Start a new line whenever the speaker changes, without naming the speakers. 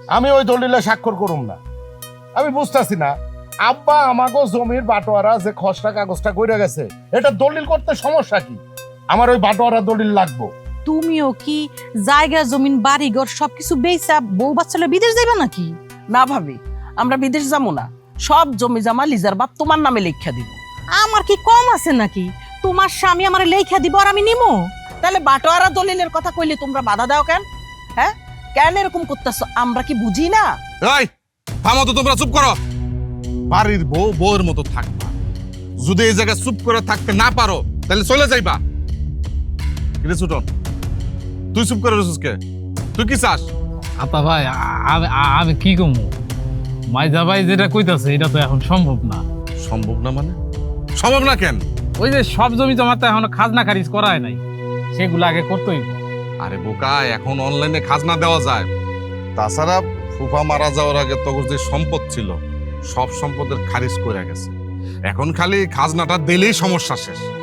আমি ওই দলিলে স্বাক্ষর করুম না। আমি বুঝতেছি না, আব্বা আমাকে জমির বাটোয়ারা যে খসড়া কাগজটা কইরা গেছে, এটা দলিল করতে সমস্যা কি? আমার ওই বাটোয়ারা দলিল লাগবো।
তুমিও কি জায়গা জমিন বাড়ি ঘর সবকিছু বেচা বউ বাচ্চালে বিদেশ যাইবা নাকি?
না ভাবি, আমরা বিদেশ যাবো না, সব জমি জমা লিজার বাপ তোমার নামে লেখা দিব।
আমার কি কম আছে নাকি? তোমার স্বামী আমার লেখা দিব আর আমি নিমো?
তাহলে বাটোয়ারা দলিলের কথা কইলে তোমরা বাধা দাও কেন? হ্যাঁ, কেন এরকম করতেছো? আমরা কি বুঝি না?
এই থামো তো, তোমরা চুপ করো। বাড়ির বউ বউয়ের মতো থাকবা, যদি এই জায়গায় চুপ করে থাকতে না পারো তাহলে চলে যাইবা। কিরে ছুটন, তুই চুপ করে রয়েছিস কে? তুই কি চাস?
আপা ভাই, আমি কি কমু? মাইজা ভাই যেটা কইতাছে এটা তো এখন সম্ভব না।
সম্ভব না মানে? সম্ভব না কেন?
ওই যে সব জমি জমা তো এখনো খাজনা খারিজ করা হয় নাই, সেগুলো আগে করতেই হবে।
আরে বোকা, এখন অনলাইনে খাজনা দেওয়া যায়। তাছাড়া ফুফা মারা যাওয়ার আগে তখন যে সম্পদ ছিল সব সম্পদের খারিজ করে গেছে, এখন খালি খাজনাটা দিলেই সমস্যা শেষ।